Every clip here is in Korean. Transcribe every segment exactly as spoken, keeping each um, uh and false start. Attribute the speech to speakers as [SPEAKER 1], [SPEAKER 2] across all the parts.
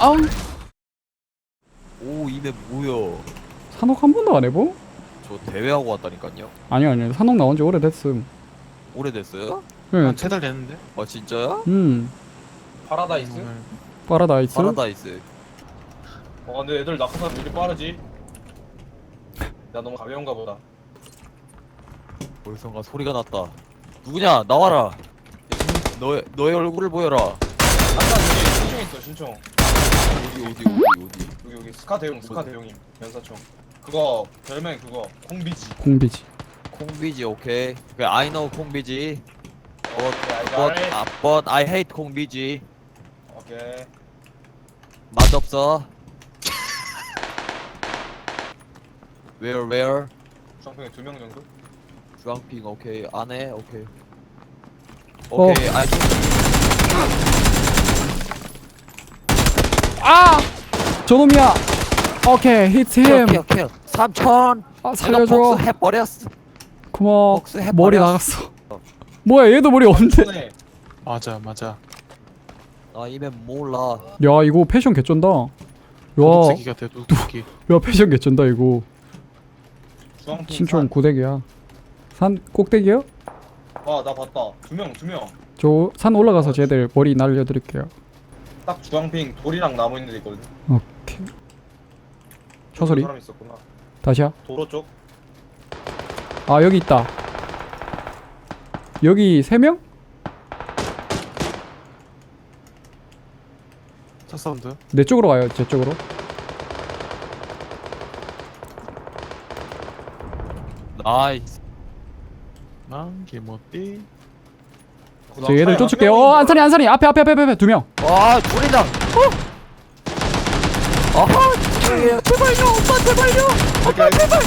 [SPEAKER 1] 아우.
[SPEAKER 2] 오 이맵 뭐야?
[SPEAKER 1] 산옥 한 번도 안 해보?
[SPEAKER 2] 저 대회하고 왔다니까요.
[SPEAKER 1] 아니요 아니요 산옥 나온 지 오래됐음.
[SPEAKER 2] 오래됐어요?
[SPEAKER 1] 네.
[SPEAKER 3] 한 세 달 됐는데?
[SPEAKER 2] 아 진짜요?
[SPEAKER 1] 음
[SPEAKER 4] 파라다이스?
[SPEAKER 3] 오늘
[SPEAKER 1] 파라다이스.
[SPEAKER 2] 파라다이스.
[SPEAKER 4] 어 근데 애들 낙하산 왜 이렇게 빠르지? 나 너무 가벼운가 보다.
[SPEAKER 2] 벌써가 소리가 났다. 누구냐? 나와라. 너의 너의 얼굴을 보여라.
[SPEAKER 4] 아까 여기 신총 있어 신총.
[SPEAKER 2] 어디 어디 어디 어디.
[SPEAKER 4] 여기 여기 스카 대용 스카 대용임 연사총. 그거 별명 그거 콩비지.
[SPEAKER 1] 공비지.
[SPEAKER 2] 콩비지 오케이. 그 I know 콩비지. But
[SPEAKER 4] 오케이
[SPEAKER 2] but,
[SPEAKER 4] 알갈.
[SPEAKER 2] 아, but I hate 콩비지.
[SPEAKER 4] 오케이.
[SPEAKER 2] 맛없어. Where where?
[SPEAKER 4] 주황평에 두 명 정도?
[SPEAKER 2] 주황핑 오케이 안해 오케이.
[SPEAKER 1] 어.
[SPEAKER 2] 오케이 I
[SPEAKER 1] 아 저놈이야. 오케이 히트 힘.
[SPEAKER 2] 오케이 오케이 삼천.
[SPEAKER 1] 아 살려줘.
[SPEAKER 2] 복수 해버렸어.
[SPEAKER 1] 고마워.
[SPEAKER 2] 복수 해버렸어.
[SPEAKER 1] 머리 나갔어. 뭐야 얘도 머리 없는데.
[SPEAKER 4] 손에
[SPEAKER 3] 맞아 맞아.
[SPEAKER 2] 나 이맵 몰라.
[SPEAKER 1] 야 이거 패션 개쩐다. 야,
[SPEAKER 3] 도둑새끼 같아 도둑새끼.
[SPEAKER 1] 야 패션 개쩐다 이거.
[SPEAKER 4] 주황핑
[SPEAKER 1] 신총 구대기야. 산 꼭대기요?
[SPEAKER 4] 아나 봤다. 두 명 두 명.
[SPEAKER 1] 저 산 올라가서 쟤들 머리 날려드릴게요.
[SPEAKER 4] 딱 주황핑 돌이랑 나무 있는 데 있거든.
[SPEAKER 1] 오케이. 초소리.
[SPEAKER 4] 사람 있었구나.
[SPEAKER 1] 다시야.
[SPEAKER 4] 도로 쪽.
[SPEAKER 1] 아 여기 있다. 여기 세 명?
[SPEAKER 3] 차 사운드.
[SPEAKER 1] 내 쪽으로 가요. 제 쪽으로.
[SPEAKER 2] 나이스.
[SPEAKER 3] 난 개못띠.
[SPEAKER 1] 저 얘들 쫓을게요. 어 안산이 안산이 앞에 앞에 앞에 앞에 두 명.
[SPEAKER 2] 와 둘이다. 어? 아하. 제발요 오빠 제발요.
[SPEAKER 4] 오빠 제발.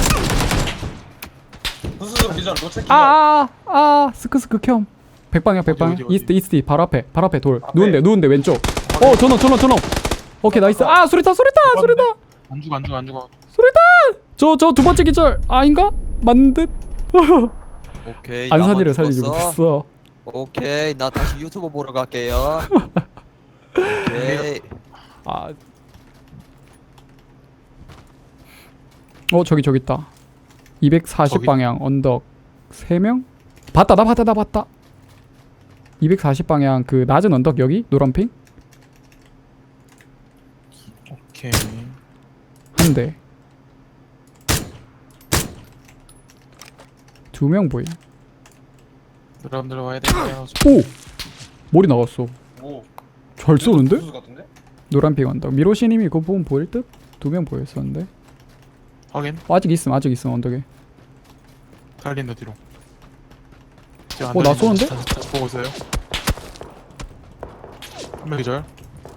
[SPEAKER 4] 수수수 기절 노체킹.
[SPEAKER 1] 아아아 아, 아, 스크스크 켬. 백방향 백방향.
[SPEAKER 3] 어디, 어디?
[SPEAKER 1] 이스트 이스트 바로 앞에 바로 앞에 돌.
[SPEAKER 4] 앞에.
[SPEAKER 1] 누운데 누운데 왼쪽. 어 저놈 저놈 저놈. 오케이 나이스. 아 수리타 수리타 수리타
[SPEAKER 3] 안 죽어 안 죽어 안 죽어.
[SPEAKER 1] 수리타. 저 저 두 번째 기절 아닌가? 맞는 듯.
[SPEAKER 2] 오케이.
[SPEAKER 1] 안산이를
[SPEAKER 2] 나만
[SPEAKER 1] 살리지
[SPEAKER 2] 죽었어.
[SPEAKER 1] 못했어.
[SPEAKER 2] 오케이 나 다시 유튜브 보러 갈게요. 오케이.
[SPEAKER 1] 아. 어 저기 저기 있다. 이백사십
[SPEAKER 3] 저기?
[SPEAKER 1] 방향 언덕 세 명? 봤다 나 봤다 나 봤다. 이백사십 방향 그 낮은 언덕 여기 노란핑
[SPEAKER 3] 오케이.
[SPEAKER 1] 한 대. 두 명 보임.
[SPEAKER 3] 들어감 들어와야 돼요.
[SPEAKER 1] 오! 머리 나갔어.
[SPEAKER 4] 오.
[SPEAKER 1] 잘 쏘는데?
[SPEAKER 4] 수수 같은데?
[SPEAKER 1] 노란핑 언덕. 미로시님이 그거 보면 보일 듯? 두 명 보였었는데.
[SPEAKER 3] 확인.
[SPEAKER 1] 어, 아직 있음 아직 있음 언덕에.
[SPEAKER 3] 달린다 뒤로.
[SPEAKER 1] 어, 나 쏘는데?
[SPEAKER 3] 자, 자, 보고 있어요. 한명 기절.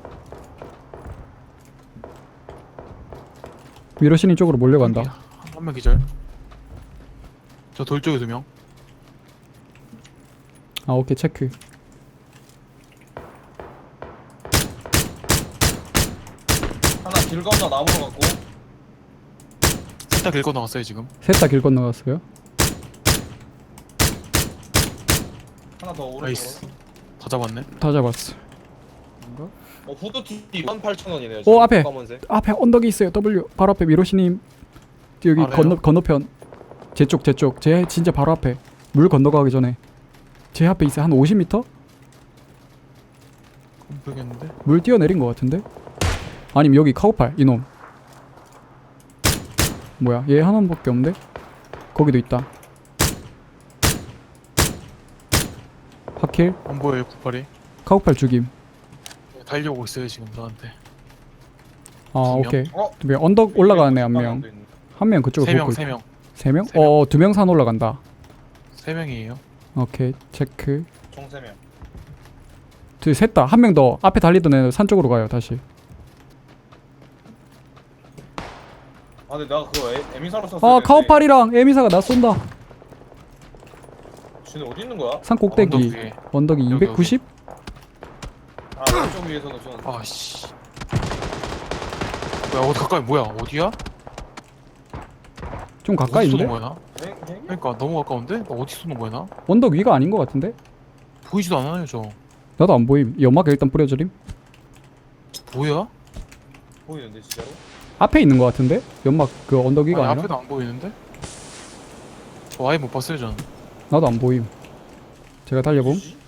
[SPEAKER 1] 미로시님 쪽으로 몰려간다.
[SPEAKER 3] 한명 기절. 저 돌 쪽에 두 명.
[SPEAKER 1] 아 오케이 체크.
[SPEAKER 4] 하나 길 건너 나무로 갔고.
[SPEAKER 3] 셋다 길 건너갔어요 지금.
[SPEAKER 1] 셋 다 길 건너갔어요.
[SPEAKER 4] 하나 더 오른쪽으로.
[SPEAKER 3] 나이스. 다 잡았네.
[SPEAKER 1] 다 잡았어.
[SPEAKER 4] 어 후드티 만 팔천 원이네요.
[SPEAKER 1] 오, 앞에.
[SPEAKER 4] 검은색.
[SPEAKER 1] 앞에 언덕이 있어요. W 바로 앞에 미로시님 여기
[SPEAKER 3] 아래요?
[SPEAKER 1] 건너 건너편 제 쪽 제 쪽 제 진짜 바로 앞에 물 건너가기 전에 제 앞에 있어요. 한 오십 미터?
[SPEAKER 3] 모르겠는데.
[SPEAKER 1] 물 뛰어내린 것 같은데? 아니면 여기 카우팔 이놈 뭐야 얘 하나밖에 없는데? 거기도 있다. 하킬
[SPEAKER 3] 안 보여요 구팔이.
[SPEAKER 1] 카우팔 죽임.
[SPEAKER 3] 달려오고 있어요 지금 저한테.
[SPEAKER 1] 아
[SPEAKER 3] 두 명?
[SPEAKER 1] 오케이
[SPEAKER 4] 어?
[SPEAKER 1] 두 명 언덕 올라가네 한 명. 한 명 그쪽으로
[SPEAKER 3] 세 명
[SPEAKER 1] 보고
[SPEAKER 3] 세 명.
[SPEAKER 1] 세 명?
[SPEAKER 3] 세 명.
[SPEAKER 1] 어 두 명 산 올라간다.
[SPEAKER 3] 세 명이에요.
[SPEAKER 1] 오케이 체크.
[SPEAKER 4] 총 세 명.
[SPEAKER 1] 셋다 한 명 더 앞에 달리던 애는 산 쪽으로 가요 다시.
[SPEAKER 4] 아 근데 내가 그거 에, 에미사로 썼어.
[SPEAKER 1] 아 카우팔이랑 에미사가 나 쏜다.
[SPEAKER 4] 쟤네 어디 있는 거야?
[SPEAKER 1] 산 꼭대기
[SPEAKER 3] 언덕 위에.
[SPEAKER 1] 언덕이
[SPEAKER 3] 여기,
[SPEAKER 1] 이백구십?
[SPEAKER 4] 아 왼쪽 위에서는 쏘는.
[SPEAKER 3] 아씨. 뭐야 어디 가까이 뭐야 어디야?
[SPEAKER 1] 좀 가까이
[SPEAKER 3] 어디
[SPEAKER 1] 있는데?
[SPEAKER 3] 쏘는 거야 나?
[SPEAKER 4] 행 행?
[SPEAKER 3] 그러니까 너무 가까운데? 나 어디 쏘는 거야 나?
[SPEAKER 1] 언덕 위가 아닌 것 같은데?
[SPEAKER 3] 보이지도 않아요 저.
[SPEAKER 1] 나도 안 보임. 연막 일단 뿌려드림.
[SPEAKER 3] 뭐야?
[SPEAKER 4] 보이는데 진짜로?
[SPEAKER 1] 앞에 있는 것 같은데? 연막 그 언덕 위가
[SPEAKER 3] 아니,
[SPEAKER 1] 아니라?
[SPEAKER 3] 앞에도 안 보이는데? 저 아예 못 봤어요 저는.
[SPEAKER 1] 나도 안 보임. 제가 달려봄.
[SPEAKER 4] 뭐지?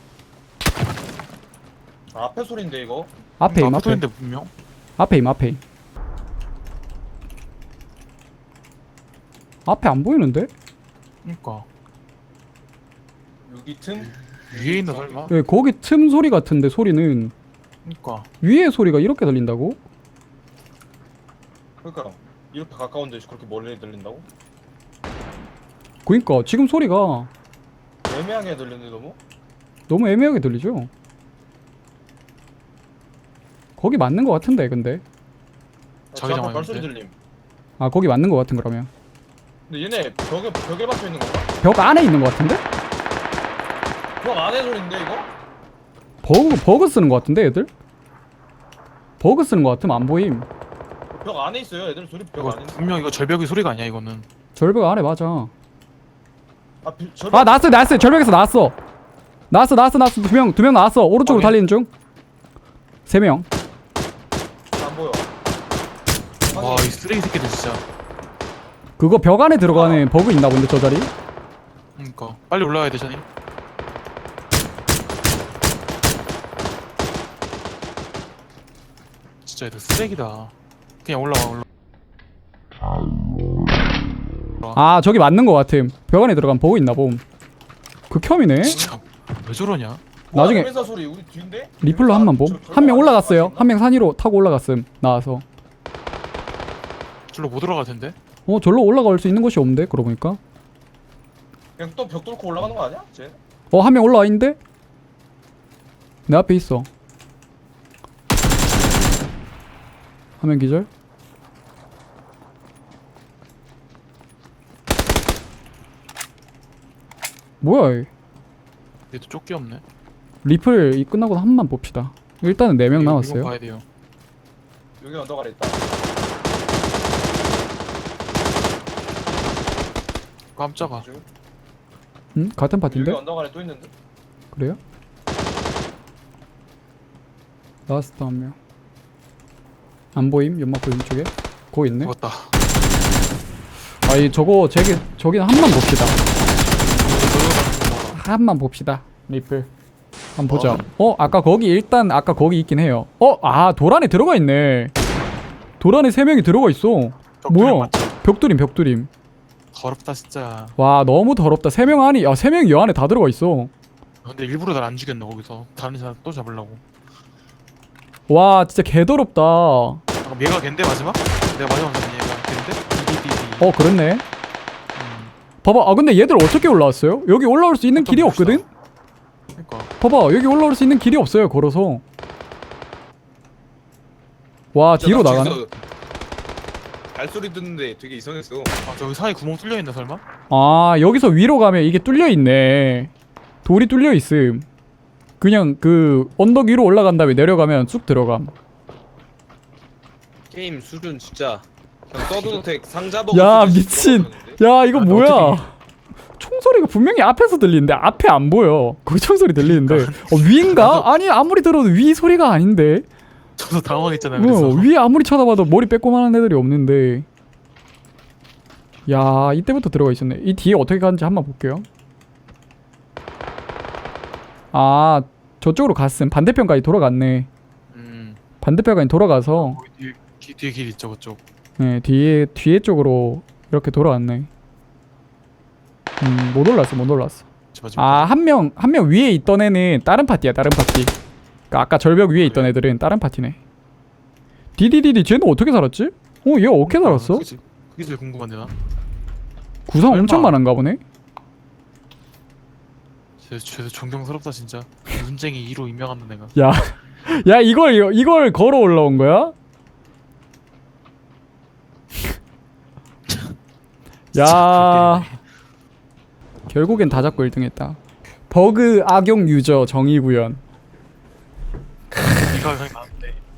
[SPEAKER 4] 아, 앞에 소리인데 이거?
[SPEAKER 1] 앞에 임
[SPEAKER 3] 앞에
[SPEAKER 1] 앞에.
[SPEAKER 3] 소리인데 분명.
[SPEAKER 1] 앞에 임 앞에 임. 앞에 안 보이는데?
[SPEAKER 3] 그니까
[SPEAKER 4] 여기 틈?
[SPEAKER 3] 위에 있나 설마?
[SPEAKER 1] 왜 거기 틈 소리 같은데 소리는
[SPEAKER 3] 그니까
[SPEAKER 1] 위에 소리가 이렇게 들린다고?
[SPEAKER 4] 그러니까 이렇게 가까운데 그렇게 멀리 들린다고?
[SPEAKER 1] 그니까 지금 소리가
[SPEAKER 4] 애매하게 들리는데 너무?
[SPEAKER 1] 너무 애매하게 들리죠? 거기 맞는 것 같은데 근데
[SPEAKER 3] 자기
[SPEAKER 4] 저 앞에
[SPEAKER 3] 장화인데?
[SPEAKER 4] 발소리 들림.
[SPEAKER 1] 아 거기 맞는 것 같은 그러면
[SPEAKER 4] 근데 얘네 벽에 벽에 박혀 있는 건가?
[SPEAKER 1] 벽 안에 있는 것 같은데?
[SPEAKER 4] 벽 안에 소리인데 이거?
[SPEAKER 1] 버그 버그 쓰는 것 같은데 애들? 버그 쓰는 것 같으면 안 보임.
[SPEAKER 4] 벽 안에 있어요. 애들 소리 벽
[SPEAKER 3] 이거
[SPEAKER 4] 안에. 있는
[SPEAKER 3] 분명 이거 절벽의 소리가 아니야 이거는.
[SPEAKER 1] 절벽 안에 맞아.
[SPEAKER 4] 아, 비, 저
[SPEAKER 1] 아 나왔어 나왔어 절벽에서 나왔어. 나왔어 나왔어 나왔어 두 명 두 명 나왔어. 오른쪽으로
[SPEAKER 3] 확인.
[SPEAKER 1] 달리는 중. 세 명.
[SPEAKER 4] 안 보여.
[SPEAKER 3] 와 이 쓰레기 새끼들 진짜.
[SPEAKER 1] 그거 벽 안에 들어가는 버그 있나 본데 저 자리?
[SPEAKER 3] 그니까 빨리 올라가야 돼 샤니. 진짜 얘들 쓰레기다. 그냥 올라와 올라.
[SPEAKER 1] 아 저기 맞는 것 같음. 벽 안에 들어가면 버그 있나 봄. 극혐이네.
[SPEAKER 3] 진짜 왜 저러냐?
[SPEAKER 1] 나중에
[SPEAKER 4] 회사 소리 우리 뒤인데?
[SPEAKER 1] 리플로 한 번 봄. 한 명 올라갔어요. 한 명 산 위로 타고 올라갔음. 나와서.
[SPEAKER 3] 절로 못 올라갈 텐데.
[SPEAKER 1] 어 절로 올라갈 수 있는 곳이 없는데 그러고 보니까.
[SPEAKER 4] 그냥 또 벽 뚫고 올라가는 거 아니야? 쟤?
[SPEAKER 1] 어 한 명 올라와 있는데? 내 앞에 있어. 한 명 기절. 뭐야 이.
[SPEAKER 3] 얘도 쫓기 없네.
[SPEAKER 1] 리플 이 끝나고 한 번만 봅시다. 일단은 네 명
[SPEAKER 3] 이거-
[SPEAKER 1] 남았어요.
[SPEAKER 3] 이건 봐야 돼요.
[SPEAKER 4] 여기 언덕 아래 있다.
[SPEAKER 3] 깜짝아.
[SPEAKER 1] 응? 같은
[SPEAKER 4] 여기
[SPEAKER 1] 파티인데?
[SPEAKER 4] 언덕 아래 또 있는데?
[SPEAKER 1] 그래요? 라스트 한 명. 안 보임? 연막 보임 쪽에? 거기 있네?
[SPEAKER 3] 죽었다.
[SPEAKER 1] 아이 저거 저기 저기는 한 번 봅시다. 한번 봅시다. 리플. 한번 보자. 어 아까 거기 일단 아까 거기 있긴 해요. 어 아 돌 안에 들어가 있네. 돌 안에 세 명이 들어가 있어. 뭐야? 벽돌임 벽돌임.
[SPEAKER 3] 더럽다 진짜.
[SPEAKER 1] 와 너무 더럽다. 세 명 안이 야세 명이 여 안에 다 들어가 있어.
[SPEAKER 3] 근데 일부러 날 안 죽였나 거기서. 다른 사람 또 잡으려고.
[SPEAKER 1] 와 진짜 개더럽다. 어
[SPEAKER 3] 아, 얘가 걘데 마지막? 내가 마지막 잡은 얘가 걘데? 비비비비.
[SPEAKER 1] 그렇네.
[SPEAKER 3] 음.
[SPEAKER 1] 봐봐 아 근데 얘들 어떻게 올라왔어요? 여기 올라올 수 있는 길이
[SPEAKER 3] 봅시다.
[SPEAKER 1] 없거든?
[SPEAKER 3] 그러니까
[SPEAKER 1] 봐봐 여기 올라올 수 있는 길이 없어요 걸어서. 와 뒤로 나가네.
[SPEAKER 5] 발소리 듣는데 되게 이상했어.
[SPEAKER 3] 아 저기 사이 구멍 뚫려 있나 설마?
[SPEAKER 1] 아 여기서 위로 가면 이게 뚫려 있네. 돌이 뚫려 있음. 그냥 그 언덕 위로 올라간 다음에 내려가면 쑥 들어감.
[SPEAKER 5] 게임 수준 진짜 그냥 서든어택 상자 버그
[SPEAKER 1] 야
[SPEAKER 5] 수준씩
[SPEAKER 1] 미친.
[SPEAKER 5] 들어갔는데?
[SPEAKER 1] 야 이거
[SPEAKER 3] 아,
[SPEAKER 1] 뭐야? 총소리가 분명히 앞에서 들리는데 앞에 안 보여. 거기 총소리 들리는데 어, 위인가? 아니 아무리 들어도 위 소리가 아닌데.
[SPEAKER 3] 저도 당황했잖아요. 그래서
[SPEAKER 1] 어, 위에 아무리 쳐다봐도 머리 빼꼼한 애들이 없는데. 야 이때부터 들어가 있었네. 이 뒤에 어떻게 가는지 한번 볼게요. 아 저쪽으로 갔음. 반대편까지 돌아갔네.
[SPEAKER 3] 음.
[SPEAKER 1] 반대편까지 돌아가서
[SPEAKER 3] 거기 뒤에 기, 뒤에 길 있죠 그쪽.
[SPEAKER 1] 네 뒤에 뒤에 쪽으로 이렇게 돌아왔네. 음 못 올랐어 못 올랐어.
[SPEAKER 3] 저 마지막.
[SPEAKER 1] 아 한 명 한 명 위에 있던 애는 다른 파티야 다른 파티. 그러니까 아까 절벽 위에 있던 애들은 다른 파티네. 디디디디 쟤는 어떻게 살았지? 어 얘가 어떻게 살았어?
[SPEAKER 3] 그게, 제일- 그게 제일 궁금한데 나.
[SPEAKER 1] 구상
[SPEAKER 3] 설마.
[SPEAKER 1] 엄청 많은가 보네.
[SPEAKER 3] 쟤, 쟤 존경스럽다 진짜. 눈쟁이 이 로 임명한다 내가.
[SPEAKER 1] 야, 야 이걸 이걸 걸어 올라온 거야? 야, 결국엔 다 잡고 일 등했다. 버그 악용 유저 정의구현.
[SPEAKER 3] 이가 그냥 나는데.